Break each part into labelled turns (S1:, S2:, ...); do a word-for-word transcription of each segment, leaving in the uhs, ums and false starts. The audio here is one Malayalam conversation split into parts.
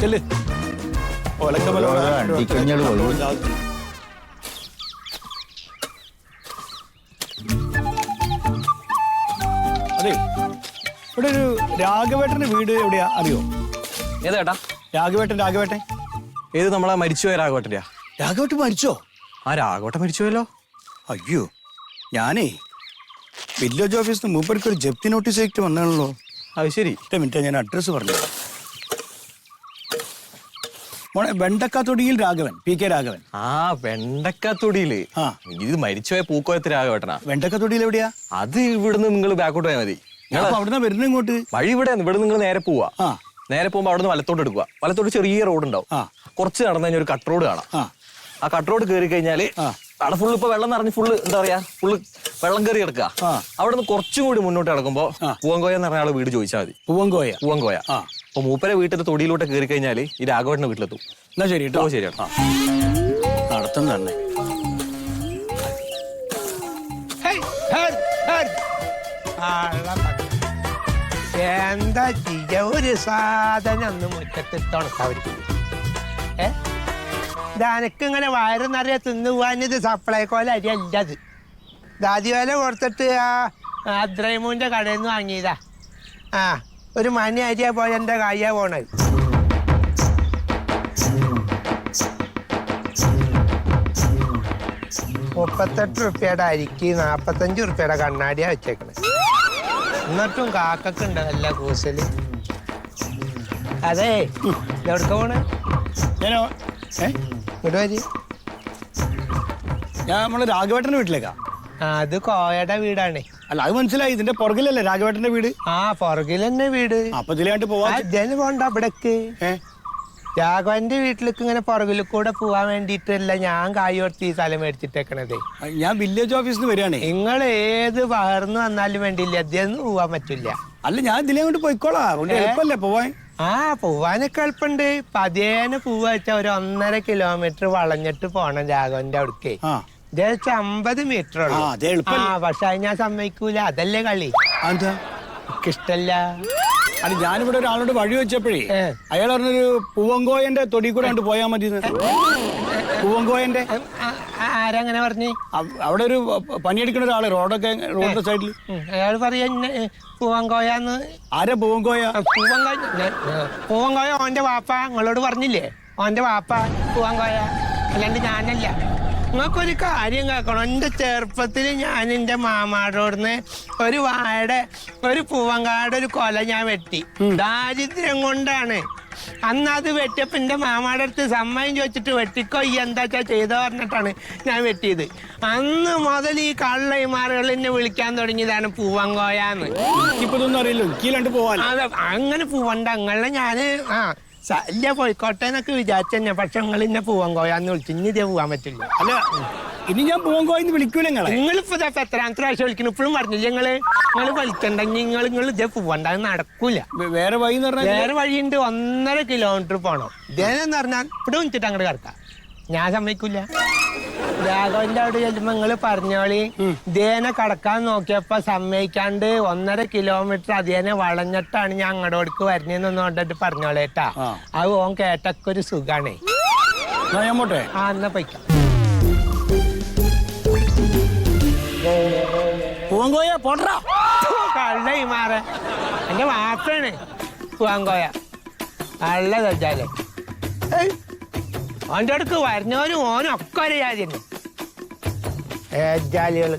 S1: ചെല്ല്. അതെ, ഇവിടെ ഒരു രാഘവേട്ടന്റെ വീട് എവിടെയാ അറിയോ?
S2: ഏതാ
S1: രാഘവേട്ടൻ? രാഘവേട്ടൻ
S2: ഏത് നമ്മളെ മരിച്ചുപോയ രാഘവേട്ടൻ്റെയാ?
S1: രാഘവേട്ടൻ മരിച്ചോ?
S2: ആ രാഘവേട്ടൻ മരിച്ചുപോയല്ലോ.
S1: അയ്യോ, ഞാനേ വില്ലേജ് ഓഫീസിൽ നിന്ന് മൂപ്പർക്ക് ഒരു ജപ്തി നോട്ടീസ് ആയിട്ട് വന്നാണല്ലോ.
S2: അത് ശരി.
S1: ഒറ്റ മിനിറ്റ്, ഞാൻ അഡ്രസ്സ് പറഞ്ഞു. മോനെ, വെണ്ടക്കാത്തൊടിയിൽ രാഘവൻ, പി കെ രാഘവൻ.
S2: ആ വെണ്ടക്കാത്തൊടിയില്.
S1: ആ,
S2: ഇത് മരിച്ചുപോയ പൂക്കോയത്ത് രാഘവേട്ടനാ.
S1: വെണ്ടക്കാത്തൊടിയിൽ എവിടെയാ?
S2: അത് ഇവിടുന്ന് നിങ്ങൾ ബാക്കോട്ട് പോയാൽ മതി.
S1: അവിടുന്ന് വരുന്ന ഇങ്ങോട്ട്
S2: വഴി ഇവിടെ ഇവിടെ നിങ്ങൾ നേരെ പോവാ.
S1: ആ,
S2: നേരെ പോകുമ്പോൾ അവിടുന്ന് വലത്തോട്ട് എടുക്കുക. വലത്തോട്ട് ചെറിയ റോഡ് ഉണ്ടാവും. കുറച്ച് നടന്നു കഴിഞ്ഞാൽ ഒരു കട്ട് റോഡ് കാണാം. ആ കട്ട് റോഡ് കയറി കഴിഞ്ഞാല് അവിടെ ഫുള്ള് ഇപ്പൊ വെള്ളം നിറഞ്ഞ് ഫുള്ള് എന്താ പറയാ ഫുള്ള് വെള്ളം കയറി കിടക്കുക. അവിടെ നിന്ന് കുറച്ചും കൂടി മുന്നോട്ട് കിടക്കുമ്പോ പൂവങ്കോയ എന്ന് പറഞ്ഞ ആള് വീട് ചോദിച്ചാൽ മതി. പൂവങ്കോയ പൂവങ്കോയ അപ്പൊ മൂപ്പരെ വീട്ടിന്റെ തൊടിയിലോട്ട് കയറി കഴിഞ്ഞാല് ഈ രാഘവേട്ടന്റെ വീട്ടിലെത്തും.
S1: എന്നാ ശരി കേട്ടോ.
S2: ശരിയാണ്.
S1: നടത്തം തന്നെ.
S3: എന്താ ചെയ്യ, ഒരു സാധനം ഒന്ന് മുറ്റത്തിട്ടുണക്കാവരിക്കും. ഏ ഇതനക്ക് ഇങ്ങനെ വയറ് നിറയെ തിന്നുപോകാനിത് സപ്ലൈക്കോല അരി അല്ലത്. ദാദിവേല കൊടുത്തിട്ട് ആ അദ്രൈമൂന്റെ കടയിൽ നിന്ന് വാങ്ങിയതാ. ആ ഒരു മണി അരിയാ പോയ എൻ്റെ കയ്യാ പോണത്. മുപ്പത്തെട്ട് റുപ്യയുടെ അരിക്ക് നാപ്പത്തഞ്ച് റുപ്യയുടെ കണ്ണാടിയാ വെച്ചേക്കണേ. എന്നിട്ടും കാക്കൊക്കെ ഉണ്ട് നല്ല കൂസല്. അതെ, എവിടക്ക പോണേ? ഇങ്ങോട്ട് വരി.
S1: ഞാൻ നമ്മള് രാഘവേട്ടന്റെ വീട്ടിലേക്കാ.
S3: അത് കോയയുടെ വീടാണ്.
S1: അല്ല, അത് മനസ്സിലായി. ഇതിന്റെ പുറകിലല്ലേ രാഘവേട്ടന്റെ വീട്?
S3: ആ പുറകിൽ തന്നെ വീട്.
S1: അപ്പൊ ഇതിലാണ്ട് പോവാ.
S3: ജന പോണ്ട അവിടേക്ക്. രാഘവന്റെ വീട്ടിലേക്ക് ഇങ്ങനെ പുറകിൽ കൂടെ പോവാൻ വേണ്ടിട്ടല്ല ഞാൻ കായോർത്തി ഈ സ്ഥലം മേടിച്ചിട്ടേക്കണതേ.
S1: ഞാൻ വില്ലേജ് ഓഫീസിൽ നിന്ന് വരികയാണേ.
S3: നിങ്ങൾ ഏത് പകർന്നു വന്നാലും വേണ്ടിയില്ല, അദ്ദേഹം പോവാൻ പറ്റില്ല.
S1: അല്ല, ഞാൻ ഇതിലേ കൊണ്ട് പോയിക്കോളാം. എളുപ്പല്ലേ പോവാൻ?
S3: ആ പോവാനൊക്കെ എളുപ്പമുണ്ട്. പതിയേനെ പോവാ വെച്ചാൽ ഒരു ഒന്നര കിലോമീറ്റർ വളഞ്ഞിട്ട് പോണം രാഘവന്റെ അവിടേക്ക്. ജസ്റ്റ് അമ്പത് മീറ്റർ ഉള്ളു. പക്ഷെ അത് ഞാൻ സമ്മതിക്കൂല. അതല്ലേ കളി. എനിക്കിഷ്ടല്ല.
S1: അല്ല, ഞാനിവിടെ ഒരാളോട് വഴി വെച്ചപ്പോഴേ അയാൾ പറഞ്ഞൊരു പൂവങ്കോയന്റെ തൊടി കൂടെ കണ്ട് പോയാൽ മതി. പൂവങ്കോയന്റെ
S3: ആരങ്ങനെ പറഞ്ഞു?
S1: അവിടെ ഒരു പണിയെടുക്കുന്ന ഒരാള് റോഡൊക്കെ റോഡിന്റെ സൈഡിൽ.
S3: അയാൾ പറയാ പൂവങ്കോയാന്ന്.
S1: ആരാ പൂവങ്കോയ?
S3: പൂവങ്കോയ പൂവങ്കോയ ഓന്റെ വാപ്പ. നിങ്ങളോട് പറഞ്ഞില്ലേ ഓന്റെ വാപ്പ പൂവങ്കോയ, അല്ലാണ്ട് ഞാനല്ല. നിങ്ങൾക്കൊരു കാര്യം കേൾക്കണം. എൻ്റെ ചെറുപ്പത്തിൽ ഞാൻ എൻ്റെ മാമാടോടുന്ന് ഒരു വാഴയുടെ ഒരു പൂവങ്കാട് ഒരു കൊല ഞാൻ വെട്ടി. ദാരിദ്ര്യം കൊണ്ടാണ്. അന്ന് അത് വെട്ടിയപ്പോൾ എൻ്റെ മാമാടെ അടുത്ത് സമ്മതം ചോദിച്ചിട്ട് വെട്ടിക്കോ ഈ എന്താ വെച്ചാൽ ചെയ്തോ പറഞ്ഞിട്ടാണ് ഞാൻ വെട്ടിയത്. അന്ന് മുതൽ ഈ കള്ളൈമാറുകൾ എന്നെ വിളിക്കാൻ തുടങ്ങിയതാണ് പൂവങ്കോയാന്ന്.
S1: ഇപ്പൊ ഇതൊന്നും അറിയില്ല.
S3: അതെ, അങ്ങനെ പൂവണ്ട അങ്ങളെ ഞാന് ആ ശല്യ പോയിക്കോട്ടെ എന്നൊക്കെ വിചാരിച്ചു തന്നെ. പക്ഷെ നിങ്ങൾ ഇന്നെ പൂവങ്കോയാന്ന് വിളിച്ചു. ഇനി ഇതേ പോവാൻ പറ്റില്ല.
S1: അല്ല, ഇനി ഞാൻ പൂവങ്കോയെന്ന് വിളിക്കൂല.
S3: നിങ്ങളിപ്പോ എത്രാമത്തെ പ്രാവശ്യം വിളിക്കണം? ഇപ്പോഴും പറഞ്ഞില്ല നിങ്ങള് നിങ്ങൾ വിളിക്കണ്ടെങ്കിൽ നിങ്ങൾ നിങ്ങൾ ഇതേ പോവണ്ട, അത് നടക്കൂല.
S1: വേറെ വഴി
S3: വേറെ വഴിയുണ്ട്. ഒന്നര കിലോമീറ്റർ പോണം. ഇതേന്ന് പറഞ്ഞാൽ ഇവിടെ വിളിച്ചിട്ട് അങ്ങോട്ട് കിടക്കാം. ഞാൻ സമ്മതിക്കൂല. രാഘവന്റെ അവിടെ ചെല്ലുമ്പോ നിങ്ങള് പറഞ്ഞോളി ഇതേനെ കടക്കാൻ നോക്കിയപ്പോ സമ്മതിക്കാണ്ട് ഒന്നര കിലോമീറ്റർ അതേനെ വളഞ്ഞിട്ടാണ് ഞാൻ അങ്ങോട്ടോടക്ക് വരുന്നതെന്ന് കൊണ്ടിട്ട് പറഞ്ഞോളേട്ടാ. അത് ഓൻ കേട്ടൊക്കെ ഒരു സുഖാണേ. ആ എന്നാ പൊയ്ക്കാം.
S1: പൂവങ്കോയ പോട്ടാ.
S3: കള്ള മാറ എന്റെ വാപ്പാണ് പൂവങ്കോയ. കള്ള തെറ്റാലേ. ഓൻ്റെ അടുക്ക് വരുന്നവനും ഓനും ഒക്കെ ഒരു ജാതി തന്നെ. ഏജാലികള്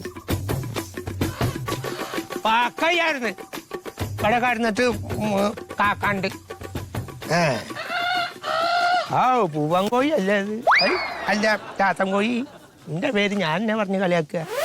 S3: പാക്കയ്യായിരുന്നു ഇവിടെ കടന്നിട്ട് കാക്കാണ്ട്. ഏ ആ പൂവൻ കോഴി അല്ലേ അത്? അല്ല ചാത്തൻ കോഴി. എന്റെ പേര് ഞാൻ എന്നെ പറഞ്ഞ് കളിയാക്കുക.